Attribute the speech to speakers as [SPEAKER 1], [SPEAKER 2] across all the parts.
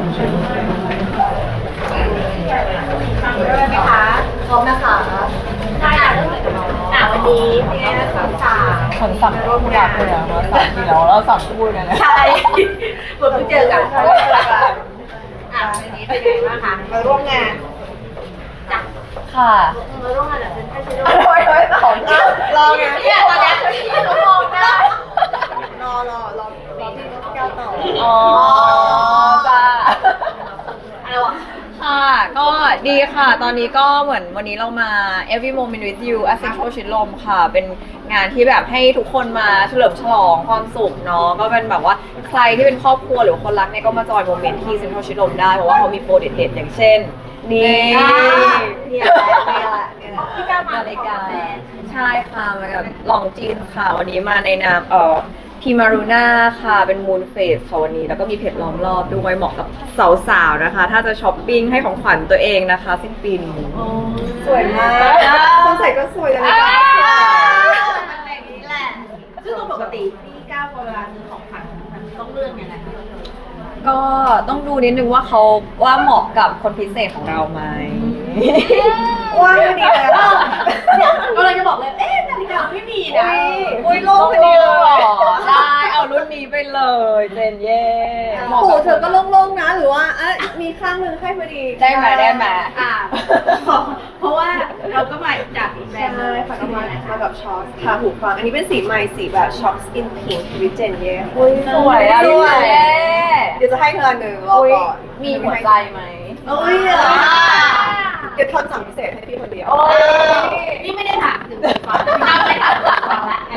[SPEAKER 1] ได้ไหมคะพร้อมนะคะได้ค่ะเริ่มเลยกับน้องวันนี้เป็นไงนะสาวสาว
[SPEAKER 2] ฉันสั่งร่วมยาเลยอะมาสั่งทีแล้วเราสั่งพูดกันนะ
[SPEAKER 1] ใช่เหมือนเพิ่งเจอกันวันนี้เป็นไงบ้างคะมาร่วมงานจ้ะ
[SPEAKER 2] ค่ะ
[SPEAKER 1] มาร่วมงานแบบเป็นไทยชิโร่
[SPEAKER 2] สองรอไง
[SPEAKER 1] เนี่ยตอนนี้พี่เขามองหน้ารอพี่แก้วต่อ
[SPEAKER 2] อ๋อจ้า
[SPEAKER 1] อะไรวะ
[SPEAKER 2] ค่ะก็ดีค่ะ ตอนนี้ก็เหมือนวันนี้เรามา Every Moment with You Essential ชิดลมค่ะ เป็นงานที่แบบให้ทุกคนมาเฉลิมฉลองความสุขเนาะก็เป็นแบบว่าใครที่เป็นครอบครัวหรือคนรักเนี่ยก็มาจอยโมเมนต์ที่ Essential ชิดลมได้เพราะว่าเขามีโปรเด็ดๆอย่างเช่น นี่
[SPEAKER 1] เนี่ยพี่ก้าวมาในการ
[SPEAKER 2] ใช่ค่ะมากับลองจีนค่ะ วันนี้มาในนามพิมารูน่าค่ะเป็นมูนเฟสค่ะวันนี้แล้วก็มีเพจล้อมรอบด้วยเหมาะกับสาวๆนะคะ ถ้าจะช้อปปิ้งให้ของขวัญตัวเองนะคะสิ้นปีนี้
[SPEAKER 1] สวยมากคนใส่ก็สวยแต่ในบ้านสวยมันแบบนี้แหละซึ่งปกติพี่ก้าวเวลาซื้อของขวัญมันต้องเลือกยังไง
[SPEAKER 2] ก็ต้องดูนิดนึงว่าเขาว่าเหมาะกับคนพิเศษของเราไหม
[SPEAKER 1] ว่าพอดีเลยก็เลยจะบอกเลยนาฬิกาไม่มีนะ
[SPEAKER 2] อุ้ยโลกพอดีเลยเหรอได้เอารุ่นนี้ไปเลยเจนเย่
[SPEAKER 1] หูเธอก็โล่งๆนะหรือว่ามีข้างหนึ่งให้พอดี
[SPEAKER 2] ได้ไหม
[SPEAKER 1] เพราะว่าเราก็มาจากแบรนด์เลยค่ะก็มากับช็อคค่ะหูฟังอันนี้เป็นสีใหม่สีแบบช็อคสกินพิงค์วิเจนเย่
[SPEAKER 2] อุ้ยสวยอ่ะ
[SPEAKER 1] สวย
[SPEAKER 2] เย่
[SPEAKER 1] เดี๋ยวจะให้เธอหนึ่งรอก่อน
[SPEAKER 2] มีหัวใจไหม
[SPEAKER 1] โอ้ยเดี๋ยวทำสั่งพิเศษให้พี่คนเดียว นี่ไม่ได้ถามถึงฟังพี่ไม่ได้ถามถึงฟังละ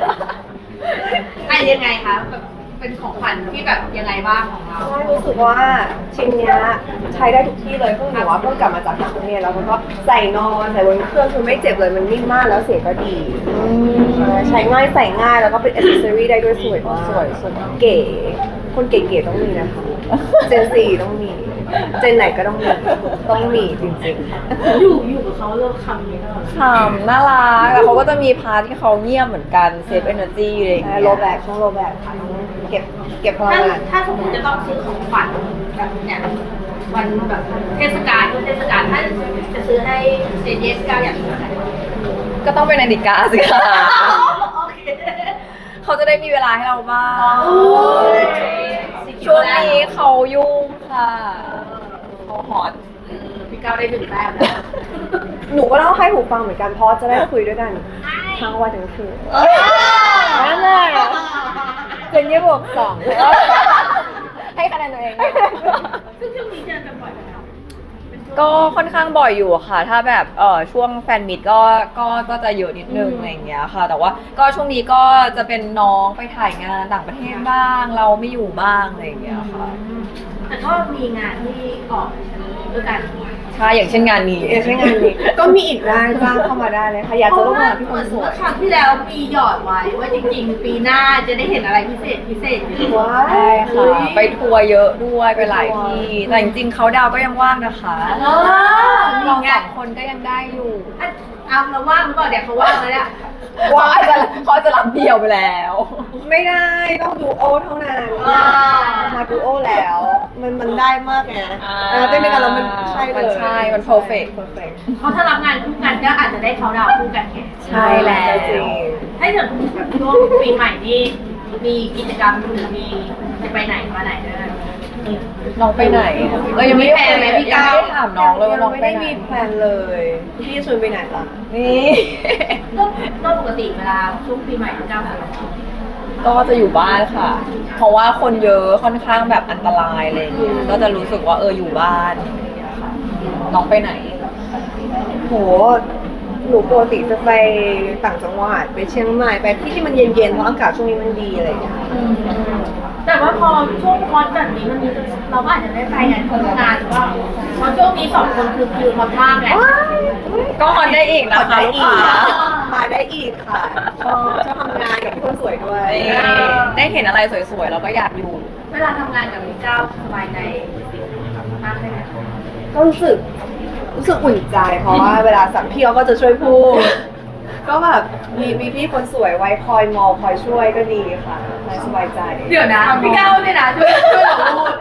[SPEAKER 1] ยังไงคะแบบเป็นของขวัญที่แบบยังไงบ้างของเราใช่รู้สึกว่าชิ้นเนี้ยใช้ได้ทุกที่เลยเพิ่งหนูว่าเพิ่งกลับมาจากต่างประเทศแล้วมันก็ใส่นอนใส่บนเครื่องคือไม่เจ็บเลยมันนิ่มมากแล้วเสียงก็ดีใช้ง่ายใส่ง่ายแล้วก็เป็นอิสเซอรี่ได้ด้วยสวยมาก
[SPEAKER 2] สวย
[SPEAKER 1] เก๋คนเก๋ๆต้องมีนะคะเจนซีต้องมีเจนไหนก็ต้องมีจริงๆอยู่กับเขาเริ่มคำนี้แล้ว
[SPEAKER 2] ฉ่ำน่ารักแต่เขาก็จะมีพาร์ทที่เขาเงียบเหมือนกันเซฟเอเนอร์จีอะไรอย่างเงี้ย
[SPEAKER 1] โลแบกช่องโลแบกค่ะเก็บพลังงานถ้าสมมติจะต้องซื้อของขวัญแบบเนี่ยวันแบบเทศกาลถ้าจะซื้อให้เจเจสก้าวอย่างนี้
[SPEAKER 2] ก็ต้องเป็นนาฬิกาสิค่ะ
[SPEAKER 1] โอเค
[SPEAKER 2] เขาจะได้มีเวลาให้เราบ้าง
[SPEAKER 1] โอ้ย
[SPEAKER 2] ช่วงนี้เขายุ่งค่ะเขาฮอต
[SPEAKER 1] พี่ก้าวได้ถึงแต้มแล้วหนูก็ต้องให้หูฟังเหมือนกันเพราะจะได้คุยด้วยกันทั้งวันทั้งคืนนั่นแหละเจนยี่บวกสองให้คะแนนตัวเองซึ่งช่วงนี้เจอกันบ่อยไหมคะ
[SPEAKER 2] ก็ค่อนข้างบ่อยอยู่ค่ะ ถ้าแบบช่วงแฟนมิตก็จะเยอะนิดนึงอะไรอย่างเงี้ยค่ะ แต่ว่าก็ช่วงนี้ก็จะเป็นน้องไปถ่ายงานต่างประเทศบ้าง เราไม่อยู่บ้างอะไรอย่างเงี้ยค่ะ
[SPEAKER 1] แต่ก็มีงานที่ออกด้วยกัน
[SPEAKER 2] ใช่อย่างเช่นงานนี้
[SPEAKER 1] ก็มีอีกได้จ้างเข้ามาได้เลยค่ะอยากจะร่วมงานพี่คนสวยครั้งที่แล้วมีหยอดไว้ว่าจริงๆปีหน้าจะได้เห็นอะไรพิเศษอยู่ว้า
[SPEAKER 2] ใช่ค่ะไปทัวร์เยอะด้วยไปหลายที่แต่จริงๆเขาดาวก็ยังว่างนะคะเราสองคนก็ยังได้อยู่
[SPEAKER 1] เอาเราว่างหรือเปล่าเดี๋ยวเขาว่างแล้วเนี่ย
[SPEAKER 2] เขาจะรับเดี่ยวไปแล้ว
[SPEAKER 1] ไม่ได้ต้องดูโอเท่านั้นมาดูโอแล้วมันได้มากไงเต้นด้วยกันแล้วมันใช่เลย
[SPEAKER 2] ใช่มัน perfect
[SPEAKER 1] เพราะถ้ารับงานคู่กันก็อาจจะได้เขาดาวคู่กันไง
[SPEAKER 2] ใช่แล้ว
[SPEAKER 1] ให้ถึงแบบช่วงปีใหม่นี่มีกิจกรรมหรือมีจะไปไหนมาไหนด้วย
[SPEAKER 2] น้องไปไหนเรายังไม่ได้
[SPEAKER 1] มีแผนไหมพี่ก้าว
[SPEAKER 2] ยังไม่ได้ถามน้องเลยว่าน้อง
[SPEAKER 1] ไม่
[SPEAKER 2] ไป
[SPEAKER 1] ได้
[SPEAKER 2] ไหน
[SPEAKER 1] มีแพลนเลยพี่ชวนไปไหนล่ะ
[SPEAKER 2] นี่
[SPEAKER 1] ก็ปกติเวลาช่วงปีใหม่พี่ก้าว
[SPEAKER 2] ก็จะอยู่บ้านค่ะ เพราะว่าคนเยอะค่อนข้างแบบอันตรายอะไรอย่างเงี้ยก็จะรู้สึกว่าอยู่บ้านอะไรอย่างเงี้ยค่ะน้องไปไหน
[SPEAKER 1] โหหนูปกติจะไปต่างจังหวัดไปเชียงใหม่ไปที่มันเย็นๆเพราะอากาศช่วงนี้มันดีอะไรอย่างเงี้ยแต่ว่าพอช่วงคอนแบบนี้มันมีเราก็อาจจะได้ไปงานคนงานหรือว่าเพราะช่วงนี้สองคนคือคิวมากๆแหละ
[SPEAKER 2] ก็ออนได้อีกนะคะลูกค้า
[SPEAKER 1] มาได้อีกค่ะชอบทำงานกับคนสวยด้วย
[SPEAKER 2] ได้เห็นอะไรสวยๆเราก็อยากอยู่
[SPEAKER 1] เวลาทำงานกับพี่ก้าวสบายใจมากเลยไหมก็รู้สึกอุ่นใจเพราะว่าเวลาสั่งพี่เขาก็จะช่วยพูด ก็แบบมีพี่คนสวยไว้คอยมองคอยช่วยก็ดีค่ะสบายใจเดี๋ยวนะพี่ก้าวเนี่ยนะช่วยเราพูด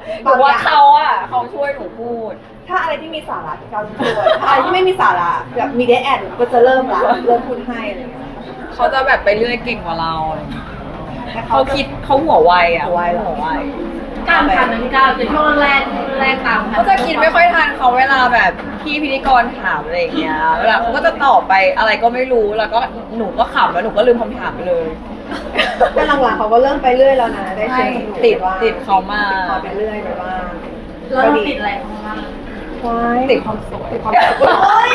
[SPEAKER 2] หนูว่าเขาช่วยหนูพูด
[SPEAKER 1] ถ้าอะไรที่มีสาระพี่ก้าวจะช่วยถ้าอะไรที่ไม่มีสาระแบบมีเดทแอดก็จะเริ่มพูดให้อะไรอย่างเงี้ย
[SPEAKER 2] เขาจะแบบไปเรื่อยเก่งกว่าเราอะไรอย่างเงี้ยเขาคิดเขาหัวไวอ่ะ
[SPEAKER 1] หัวไว
[SPEAKER 3] ตามทันนะพี่ก้าวในช่วงแรกตามทัน
[SPEAKER 2] เขาจะคิดไม่ค่อยทันเขาเวลาแบบพี่พิธีกรถามอะไรอย่างเงี้ยเวลาเขาก็จะตอบไปอะไรก็ไม่รู้แล้วก็หนูก็ขำแล้วหนูก็ลืมคำถามไปเลย
[SPEAKER 1] แต่หลังๆเขาก็เริ่มไปเรื่อยแล้วนะได้เชิญ
[SPEAKER 2] ติดเขามา
[SPEAKER 1] ติดเขาไปเรื่อยไปบ้าง
[SPEAKER 3] แล้วเราติดอะไรของมัน
[SPEAKER 2] ติดความสวย
[SPEAKER 1] ติดความสวยโอ้ย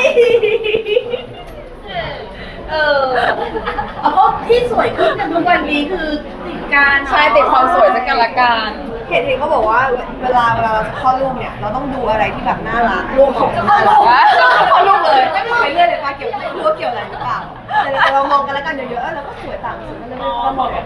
[SPEAKER 3] เอาก็ที่สวยขึ้นกันทุกวันนี้คือติดการ
[SPEAKER 2] ใช่ติดความสวยสักกันละกัน
[SPEAKER 1] เห็นเขาบอกว่าเวลาเราจะเข้ารูปเนี่ยเราต้องดูอะไรที่แบบน่ารักรูปของน่ารักเข้ารูปเลยไม่ไปเรื่อยเลยป้าเกี่ยวไม่รู้ว่าเกี่ยวอะไรหรือเปล่าแต่เรามองกันแล้วกันเยอะๆแล้วก็สวยต่างกันเลยเรามองกัน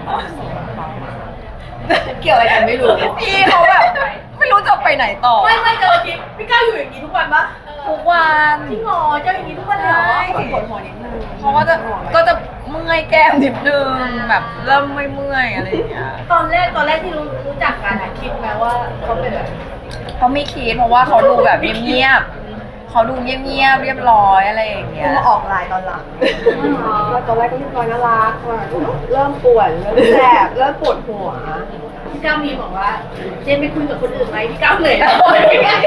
[SPEAKER 1] เกี่ยวอะไรกันไม่รู้
[SPEAKER 2] พี่เขาแบบไม่รู้จะไปไหนต่อ
[SPEAKER 3] ไม่เจอคลิปพี่ก้าวอยู่อย่างนี้ทุกวันปะ
[SPEAKER 2] ทุกวัน
[SPEAKER 3] จริงเหรอเจออย่างนี้ทุกวันเลยเหรอ
[SPEAKER 1] ปวดหัวนิดนึง
[SPEAKER 2] เขาก็จะเมื่อยแก้มนิดนึงแบบเริ่มไม่เมื่อยอะไรอย่างเงี้ย
[SPEAKER 3] ตอนแรกที่รู้จักกันอะคิดไหมว่าเขาเป็นแบบ
[SPEAKER 2] เขาไม่คิดเพราะว่าเขาดูแบบเงียบๆเขาดูเงียบๆเรียบร้อยอะไรอย่างเงี้ย
[SPEAKER 1] มาออกไลน์ตอนหลังก็ตอนแรกก็มีความน่ารักเริ่มปวดเริ่มแสบเริ่มปวดหัว
[SPEAKER 3] พี่ก้าวมีบอกว่าเจนไม่คุยกับคนอื่นไหมพี่ก้าวเหนื่อยนะมีไหม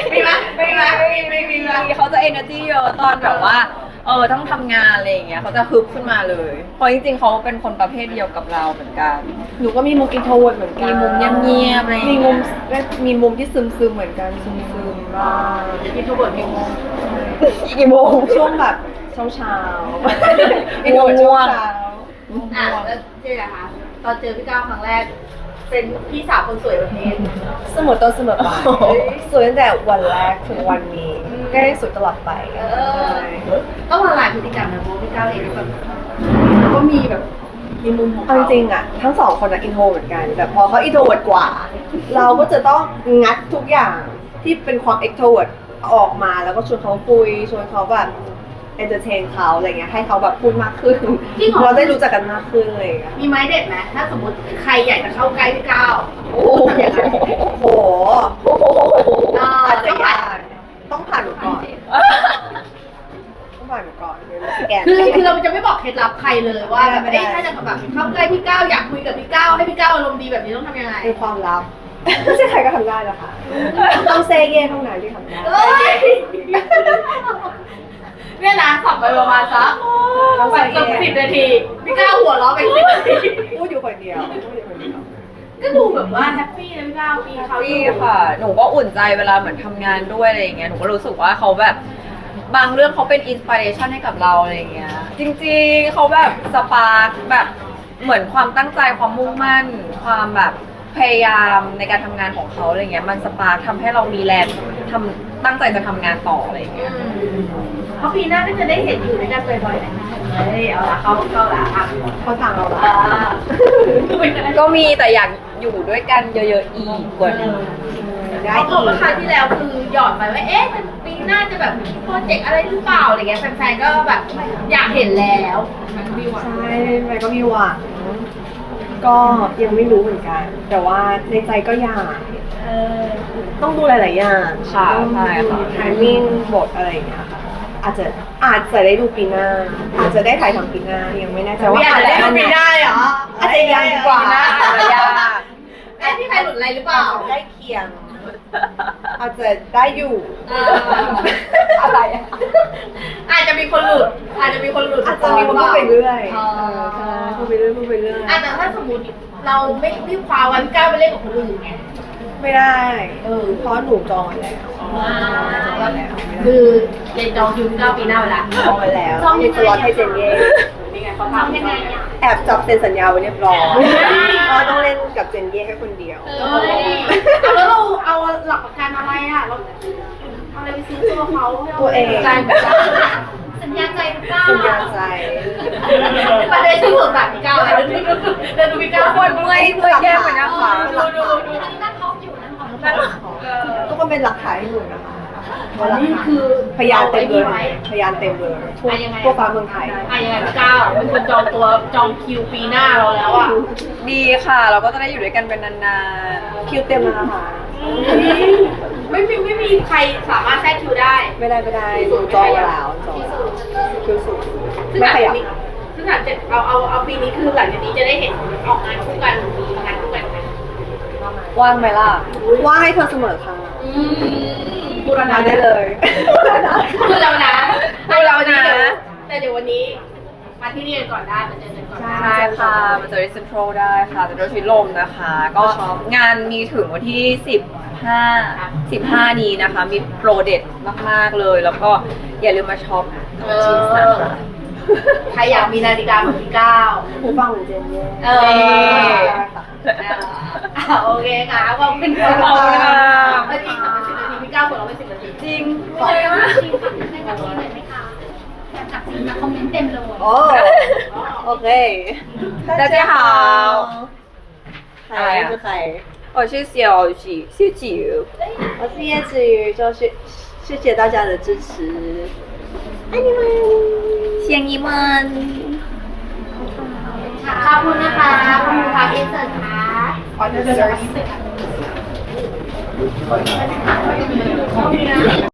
[SPEAKER 2] เขาจะ energy เยอะตอนแบบว่าต้องทำงานอะไรอย่างเงี้ยเขาจะฮึบขึ้นมาเลยเพราะจริงๆเขาเป็นคนประเภทเดียวกับเราเหมือนกัน
[SPEAKER 1] หนูก็มีมุมอินโทรเวิร์ดเหมือนกัน
[SPEAKER 2] มีมุมเงียบๆอะไรอย่าง
[SPEAKER 1] มี
[SPEAKER 2] เงี้ย
[SPEAKER 1] มีมุมที่ซึมๆเหมือนกันซึมๆบ้าง
[SPEAKER 3] มีทุกคนมีงง
[SPEAKER 2] อีกกี่โมง
[SPEAKER 1] ช่วงแบบเช้าๆ
[SPEAKER 2] ง่วง
[SPEAKER 3] อ่ะแล้วเจ๊นะคะตอนเจอพี่ก้าวครั้งแรก เป็นพี่สาวคนสวยแบบนี้
[SPEAKER 1] เสมอต้นเสมอปลายสวยตั้งแต่วันแรกถึงวันนี้ก็ได้สวยตลอดไป
[SPEAKER 3] ต้องละลายพฤติกรรมนะเพราะพี่ก้าวเองก็แบบก็มีแบบมีมุมของ
[SPEAKER 1] เอา
[SPEAKER 3] เขา
[SPEAKER 1] จริงๆอะทั้งสองคนอะอินโทรเหมือนกันแต่พอเขาอินโทรเวิร์ดกว่า เราก็จะต้องงัดทุกอย่างที่เป็นความเอ็กโทรเวิร์ดออกมาแล้วก็ชวนเขาคุยชวนเขาแบบเอนเตอร์เทนเขาอะไรเงี้ยให้เขาแบบพูดมากขึ้นเราได้รู้จักกันมากขึ้นเลยอะ
[SPEAKER 3] มีไม้เด็ดไหมถ้าสมมติใครอยากจะเข้าใกล้พี่ก้าว
[SPEAKER 1] โอ้โหอาจจะยากต้องผ่านหนูก่อนต้องผ่านหนูก่อนเดี๋ยวเราสแกน
[SPEAKER 3] คือเราจะไม่บอกเคล็ดลับใครเลยว่าแบบ
[SPEAKER 1] ไม่ได้
[SPEAKER 3] ถ้าจะแบบเข้าใกล้พี่ก้าวอยากคุยกับพี่ก้าวให้พี่ก้าวอารมณ์ดีแบบนี้ต้องทำยังไง
[SPEAKER 1] เป็นความลับไม่ใช่ใครก็ทำได้หรอกค่ะต้องเซเย่เท่านั้นที่ทำได้
[SPEAKER 3] เอ้ยเนี่ยนะสับไปประมาณสักแบบเกือบ10 นาทีพี่ก้าวหัวเราะไป10 นาที
[SPEAKER 1] พูดอยู่คนเดียวพูดอยู่คนเดียว
[SPEAKER 3] ก็ดูแบบว่าแฮปปี้นะพี่ก้าวมีเขาอ
[SPEAKER 2] พี่
[SPEAKER 3] ยู่
[SPEAKER 2] ค่ะ หนูก็อุ่นใจเวลาเหมือนทำงานด้วยอะไรอย่างเงี้ย หนูก็รู้สึกว่าเขาแบบบางเรื่องเขาเป็นอินสปิเรชันให้กับเราอะไรอย่างเงี้ย จริงๆเขาแบบสปาร์คแบบเหมือนความตั้งใจความมุ่งมั่น ความแบบพยายามในการทำงานของเขาอะไรเงี้ย มันสปาร์คทำให้เรามีแรงตั้งใจจะทำงานต่ออะไรอย่างเงี้ย
[SPEAKER 3] เพราะปีหน้าก็จะได้เห็นอยู่ด้วยกันบ่อยๆนะเฮ้ยเอาละเข้าละอ่ะ
[SPEAKER 1] เขาทางเราละ
[SPEAKER 2] ก็มีแต่อยากอยู่ด้วยกันเยอะๆอีกกว่านี้
[SPEAKER 1] ได้
[SPEAKER 3] เพราะ
[SPEAKER 1] อี
[SPEAKER 3] ว่าก ครั้งที่แล้วคือหยอดไปว่าเอ๊ะมันปีหน้าจะแบบมีโปรเจกต์อะไรหรือเปล่าอะไรเงี้ยแฟนๆก็แบบอยากเห็นแล้วมันมีหวัง
[SPEAKER 1] ใช่ไปก็มีหวังก็ยังไม่รู้เหมือนกัน แต่ว่าในใจก็อยาก
[SPEAKER 3] เออ
[SPEAKER 1] ต้องดูหลาย ๆ อย่าง
[SPEAKER 2] ค่ะใช่ค่ะ
[SPEAKER 1] ไทมิ่งบทอะไรอย่างเงี้ยค่ะอาจจะได้ดูปีหน้า อาจจะได้ถ่ายทำปีหน้ายังไม่แน่ใจว่า
[SPEAKER 3] อยากจะได้ดูปีหน้าเลยเหรอ
[SPEAKER 1] อาจจะยังดีกว่า
[SPEAKER 2] อาจจะยาก
[SPEAKER 3] ไอ้ที่ใครหลุดอะไรหรือเปล่า
[SPEAKER 1] ใกล้เคียง อาจจะได้อยู่
[SPEAKER 3] เออ
[SPEAKER 1] อะไรอะ
[SPEAKER 3] อาจจะมีคนหลุด อาจจะมีคนหลุด
[SPEAKER 1] อาจจะมีคนพูดไปเรื่อย
[SPEAKER 3] อ๋อ
[SPEAKER 1] ใช่พูดไปเรื่อยพูดไปเรื่อย
[SPEAKER 3] อาจจะถ้าสมมติเราไม่คว้าวันก้าวไปเล่นกับคนอื่นไง
[SPEAKER 1] ไม่ได้เพราะหนูจองไว้แล้วจองไว้แล้ว
[SPEAKER 3] คือเรียนจองคิวก้าวปีหน้าเวลา
[SPEAKER 1] จองไว้แล้วมีสล็อตให้เจนเย่
[SPEAKER 3] นี่ไงเขาทำยังไงอ่ะ
[SPEAKER 1] แอบจับเซ็นสัญญาไว้เรียบร้อยเพราะต้องเล่นกับเจนเย่แค่คนเดียว
[SPEAKER 3] แล้วเราเอาหลักประกันอะไรอ่ะเราเอาอะไรไปซื้อตัวเขา
[SPEAKER 1] ตัวเอง
[SPEAKER 3] สัญญาใจหรือเปล่า
[SPEAKER 1] สัญญาใจ
[SPEAKER 3] ประเด็นที่สุดแบบพี่ก้าวอะไรเดินดูพี่ก้าว
[SPEAKER 2] คนเมื่อยแย่เหมือนกันค่ะ
[SPEAKER 3] ดูอันนี้นั่งท็อปอยู่นั่งท็อป
[SPEAKER 1] ทุกคนเป็นหลักฐานให้หนูนะคะ
[SPEAKER 3] อันนี้คือ
[SPEAKER 1] พยานเต็มเลยพยานเต็มเลยทั่วฟ้าเมืองไทย
[SPEAKER 3] ยังไงพี่ก้าวเป็นคนจองตัวจองคิวปีหน้าเราแล้วอ่ะ
[SPEAKER 2] ดีค่ะ เราก็จะได้อยู่ด้วยกันเป็นนาน
[SPEAKER 1] คิวเต็มแล้วนะคะ
[SPEAKER 3] อไม่มีใครสามารถแทรกคิวได้
[SPEAKER 1] ไม่ได้หนูจองไว้แล้วจองคิวสูง
[SPEAKER 3] ซึ่ง
[SPEAKER 1] ไม่
[SPEAKER 3] หลัง
[SPEAKER 1] ขยั
[SPEAKER 3] จาก
[SPEAKER 1] บ
[SPEAKER 3] นี้ซึ่งหลังจากเอาปีนี้คือหลังจากนี้จะได้เห็นออกงานคู่กันมีงานคู่กันไหม
[SPEAKER 2] ว่างไหมล่ะ
[SPEAKER 1] ว่าให้เธอเสมอค่ะ
[SPEAKER 3] บูรณะ
[SPEAKER 1] มาได้เลย
[SPEAKER 3] พูดเรานะ
[SPEAKER 2] พูดเรานะ
[SPEAKER 3] แต่เดี๋ยววันนี้มาที่นี่กันก่อนได้มาเจอกันก่อนได้
[SPEAKER 2] ใช่ค่ะมาเจอที่เซ็นทรัลได้ค่ะเซ็นทรัลชิดลมนะคะ ก็งานมีถึงวันที่ 15 นี้นะคะ มีโปรเด็ดมาก ๆ เลย แล้วก็อย่าลืมมาช็อปจีนนะคะ
[SPEAKER 3] ใครอยากมีนาฬิกาเหมือนพี่ก้าว
[SPEAKER 1] หูฟังเหมือนเจนเย่
[SPEAKER 3] เอโอเคค่ะขอบคุณค่ะ
[SPEAKER 2] ขอบคุณค่ะ
[SPEAKER 3] เมื่อกี้ทำไป10 นาทีพี่ก้าวหัวเราะไป10 นาที
[SPEAKER 2] จริง
[SPEAKER 3] ขอบคุณมาก
[SPEAKER 1] โอ้โอเค
[SPEAKER 2] 大家好
[SPEAKER 1] ใครคือใคร
[SPEAKER 2] 我是小吉小吉
[SPEAKER 1] 我是叶子瑜，就是谢谢大家的支持，爱你们，
[SPEAKER 2] 谢你们
[SPEAKER 3] ขอบคุณนะคะขอบคุณค่ะอินเสิร์ตค่ะขอเชิญ